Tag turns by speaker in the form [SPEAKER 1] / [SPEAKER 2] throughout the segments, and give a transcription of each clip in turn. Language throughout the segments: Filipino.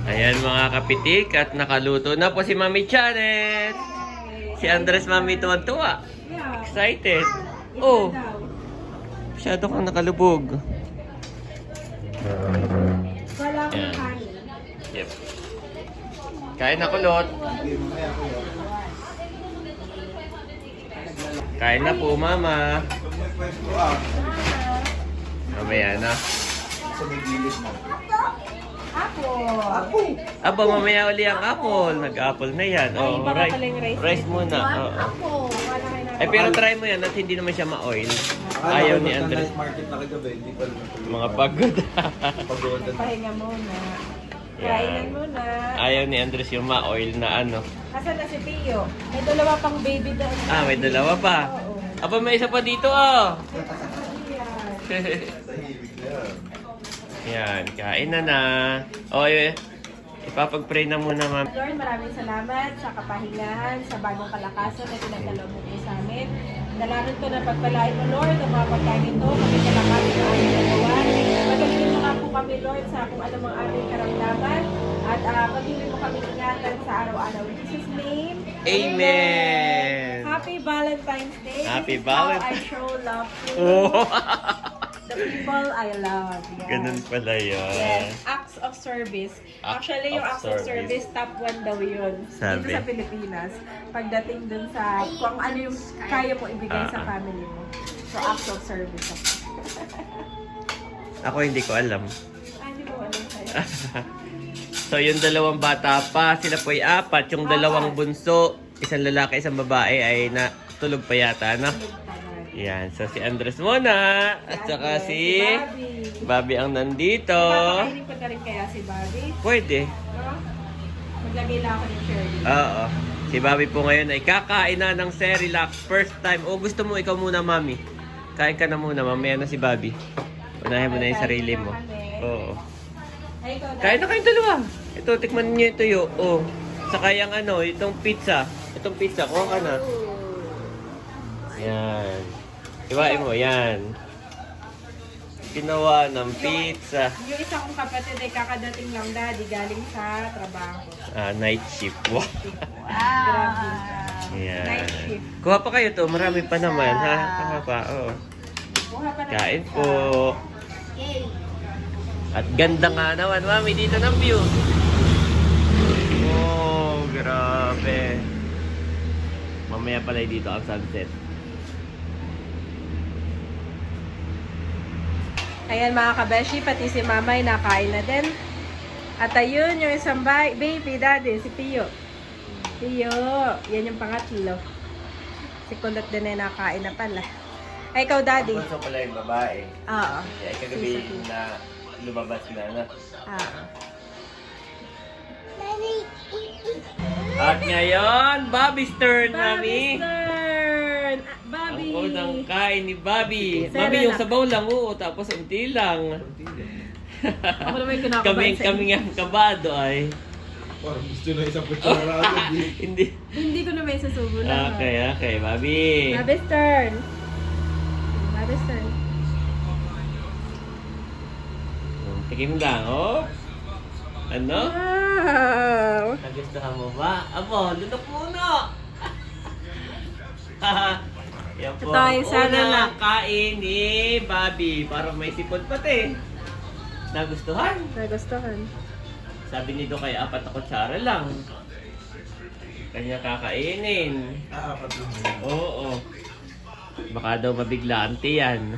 [SPEAKER 1] Ayan mga kapitik at nakaluto na po si Mami Janet. Si Andres Mami tuwan-tuwa. Excited. Oh, masyado kang nakalubog.
[SPEAKER 2] Wala akong
[SPEAKER 1] Ayan.
[SPEAKER 2] kanin.
[SPEAKER 1] Yep. Kain na kulot. Kain na po mama. Mamaya na.
[SPEAKER 2] Apple.
[SPEAKER 1] Aba, mamaya uli ang apple. Nag-apple na yan.
[SPEAKER 2] Ay,
[SPEAKER 1] Oh,
[SPEAKER 2] baka pala yung rice.
[SPEAKER 1] rice muna. Oo.
[SPEAKER 2] Apple. Wala kayo na.
[SPEAKER 1] Ay, pero try mo yan at hindi naman siya ma-oil. Ayaw ni Andres.
[SPEAKER 3] Market na kagabi, hindi pa naman
[SPEAKER 1] Mga pagod.
[SPEAKER 3] pagodan.
[SPEAKER 2] Pahinga muna.
[SPEAKER 1] Yan.
[SPEAKER 2] Kainan muna.
[SPEAKER 1] Ayaw ni Andres yung ma-oil na ano.
[SPEAKER 2] Asan na si Pio? May dalawa pang baby doon.
[SPEAKER 1] Ah, may dalawa pa.
[SPEAKER 2] Oo.
[SPEAKER 1] Aba, may isa pa dito oh.
[SPEAKER 2] Yan.
[SPEAKER 1] Yan, kain na na. O, ipapag-pray na muna, ma'am.
[SPEAKER 2] Lord, maraming salamat sa kapahingahan, sa bagong kalakasan na pinagdalaw mo po sa amin. Dalangin ko na pagpalain mo, Lord, ang mga pagkain ito, kami kalakasan na aming nagawan. Pagkaligin mo nga po kami, Lord, sa kung ano mang aming karamdaman. At pagkaligin mo kami ingatan sa araw-araw. In Jesus' name,
[SPEAKER 1] Amen!
[SPEAKER 2] Happy Valentine's Day.
[SPEAKER 1] Happy
[SPEAKER 2] This is how
[SPEAKER 1] Valentine's-
[SPEAKER 2] I show love to
[SPEAKER 1] Oh,
[SPEAKER 2] the people I love. Yes.
[SPEAKER 1] ganun pala yun.
[SPEAKER 2] Yes, acts of service.
[SPEAKER 1] Act
[SPEAKER 2] Actually, yung
[SPEAKER 1] of
[SPEAKER 2] acts of
[SPEAKER 1] service.
[SPEAKER 2] service, top 1 daw yun.
[SPEAKER 1] Sabi.
[SPEAKER 2] Dito sa Pilipinas. Pagdating dun sa kung ano yung kaya mo ibigay sa family mo. So, acts of service.
[SPEAKER 1] Ako hindi ko alam.
[SPEAKER 2] Hindi mo alam sa'yo.
[SPEAKER 1] So, yung dalawang bata pa, sila po ay apat. Yung dalawang bunso, isang lalaki, isang babae, ay natulog pa yata, no? Yan. So, si Andres muna. At saka si Bobby ang nandito.
[SPEAKER 2] Papakainin ko na rin kaya si Bobby.
[SPEAKER 1] Pwede.
[SPEAKER 2] No? Maglagay lang ako ng Shirley.
[SPEAKER 1] Oo. Si Bobby po ngayon ay kakain na ng Cerelac. First time. O gusto mo ikaw muna, Mami? Kain ka na muna. Mamaya na si Bobby. Unahin mo na yung sarili mo. Oo.
[SPEAKER 2] Ay, ikaw na.
[SPEAKER 1] Kain na kayong dalawa. Ito, tikman niyo ito yo. Oh. Saka yung ano, itong pizza. Itong pizza, kuha ka na. Yan. Iwain mo, yan. Ginawa ng pizza.
[SPEAKER 2] Yung isa kong kapatid ay kakadating lang, Daddy, galing sa trabaho.
[SPEAKER 1] Night shift. Wow.
[SPEAKER 2] Grabe.
[SPEAKER 1] Yan.
[SPEAKER 2] Night shift.
[SPEAKER 1] Kuha pa kayo to, marami pa naman. Ha? Kuha pa, oh.
[SPEAKER 2] Buha pa na
[SPEAKER 1] Kain
[SPEAKER 2] isa.
[SPEAKER 1] po.
[SPEAKER 2] Yay.
[SPEAKER 1] At ganda nga naman, Mami, dito ng view. Oh, grabe. Mamaya pala dito ang sunset.
[SPEAKER 2] Ayan mga kabeshi, pati si Mama ay nakain na din. At ayun, yung isang baby daddy, si Pio. Pio, yan yung pangatlo. Si Kulot din ay nakain na pala. Ay, ikaw daddy.
[SPEAKER 1] Bunso pala yung babae.
[SPEAKER 2] Oo.
[SPEAKER 1] Kaya kagabi na lumabas na.
[SPEAKER 2] Oo.
[SPEAKER 1] At ngayon, Bobby's turn, Mami.
[SPEAKER 2] Bobby's turn! Bobby!
[SPEAKER 1] Ang unang kain ni Bobby.
[SPEAKER 2] Sarap
[SPEAKER 1] Mami, yung
[SPEAKER 2] na.
[SPEAKER 1] sabaw lang, oo. Tapos unti lang.
[SPEAKER 2] Ako naman yung kinakabahan
[SPEAKER 1] kami nga kabado ay.
[SPEAKER 3] Parang gusto na isang kutsara.
[SPEAKER 1] Hindi.
[SPEAKER 2] Hindi ko naman susubo lang.
[SPEAKER 1] Okay, Bobby.
[SPEAKER 2] Bobby's turn. Bobby's turn.
[SPEAKER 1] Tikim lang, oh. Ano?
[SPEAKER 2] Wow!
[SPEAKER 1] Nagustuhan mo ba? Abo, lunok muna! Yan po.
[SPEAKER 2] Ito ay sana
[SPEAKER 1] Unang
[SPEAKER 2] lang.
[SPEAKER 1] kain ni Bobby. Parang may sipon pati. Nagustuhan?
[SPEAKER 2] Nagustuhan.
[SPEAKER 1] Sabi nito kay 4 na kutsara lang. Kanya kakainin.
[SPEAKER 3] Apat lang.
[SPEAKER 1] Oo. Baka daw mabigla ang tiyan.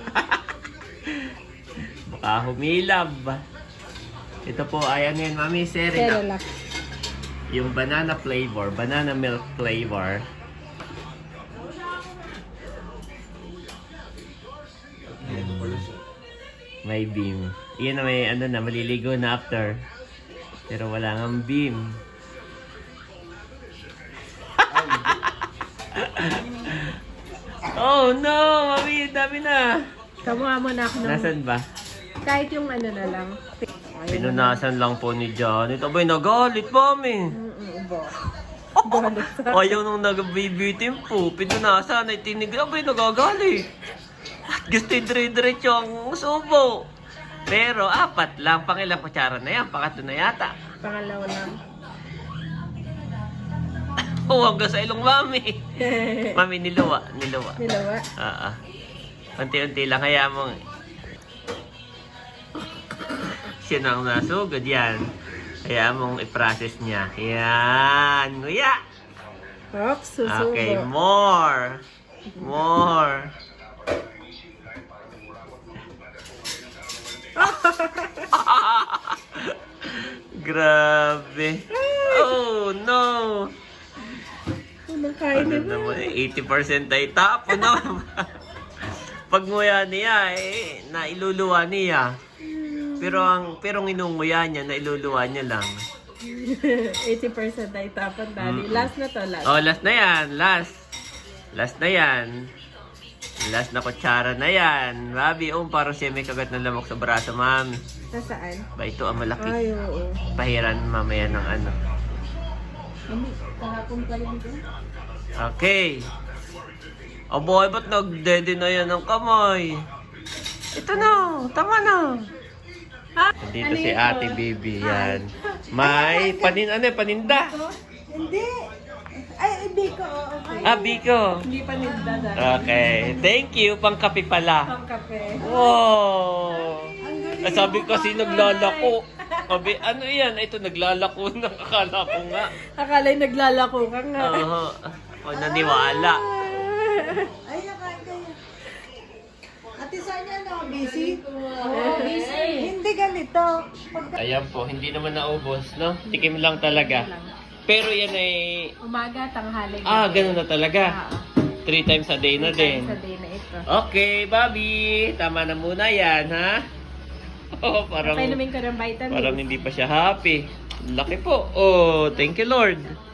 [SPEAKER 1] Baka humilab. Ito po, ayan yun, Mami, Cerelac.
[SPEAKER 2] Cerelac.
[SPEAKER 1] Yung banana flavor, banana milk flavor. May beam. Iyan na may ano na, maliligo na after. Pero wala ngang beam. Oh no! Mami, dami na!
[SPEAKER 2] Kamuha mo na ako ng...
[SPEAKER 1] Nasaan ba?
[SPEAKER 2] Kahit yung ano na lang.
[SPEAKER 1] Pinunasan lang po ni Janet. Abay, nagalit, Mami.
[SPEAKER 2] Bo. Galit sa...
[SPEAKER 1] Ayaw nung nag-baby po. Pinunasan ay tinig. Abay, nagagalit. Gusto yung dire-diretso ang subo. Pero 4 lang. Pangilang kutsara na yan? Pangatlo na yata.
[SPEAKER 2] Pangalawa lang.
[SPEAKER 1] Huwag ka sa ilong mami. Mami, niluwa.
[SPEAKER 2] Nilawa.
[SPEAKER 1] Unti-unti lang. Kaya mong... Siya nang nasugod. Yan. Kaya mong i-process niya. Yan. Nguya.
[SPEAKER 2] Oops, susubo.
[SPEAKER 1] Okay, more. More. Grabe. Oh, no.
[SPEAKER 2] Unang kain
[SPEAKER 1] Ano
[SPEAKER 2] na ba?
[SPEAKER 1] naman, 80% ay tapo na. Pag nguya niya, nailuluwa niya. Pero nginunguya niya, nailuluwa niya lang.
[SPEAKER 2] 80% ay tapan, Daddy. Last na to, last.
[SPEAKER 1] Oh, last na yan. Last. Last na yan. Last na kutsara na yan. Babi, parang siya may kagat ng lamok sa braso, mami.
[SPEAKER 2] Nasaan?
[SPEAKER 1] Ba, ito ang malaki.
[SPEAKER 2] Ay, oo.
[SPEAKER 1] Pahiran mamaya ng ano.
[SPEAKER 2] Mami, kahapon pa rin ito.
[SPEAKER 1] Okay. Oh boy, ba't nagdede na yan ng kamay? Ito na, tama na. Dito
[SPEAKER 2] Ano
[SPEAKER 1] si
[SPEAKER 2] ito?
[SPEAKER 1] Ate Bibi, yan. May paninda.
[SPEAKER 2] Hindi. Ay, biko. Okay.
[SPEAKER 1] Ah, Biko.
[SPEAKER 2] Hindi pa nilda, Daddy.
[SPEAKER 1] Okay, thank you. Pangkape pala.
[SPEAKER 2] Pang kape.
[SPEAKER 1] Wow! Sabi ko kasi naglalako. Sabi, ano yan? Ito, naglalako na. Akala ko nga.
[SPEAKER 2] Akala'y naglalako ka nga.
[SPEAKER 1] Oo. O, naniwala.
[SPEAKER 4] Ay, nakain kayo. Ate Sonia, no? Busy?
[SPEAKER 2] Busy.
[SPEAKER 4] Hindi ganito.
[SPEAKER 1] Ayan po, hindi naman naubos, no? Tikim lang talaga. Pero yan ay...
[SPEAKER 2] Umaga, tanghali.
[SPEAKER 1] Ganun na talaga. 3 times a day na din.
[SPEAKER 2] Sa day na ito.
[SPEAKER 1] Okay, Bobby. Tama na muna yan, ha? Oh, parang
[SPEAKER 2] Painumin ko ng vitamin.
[SPEAKER 1] hindi pa siya happy. Laki po. Oh, thank you, Lord.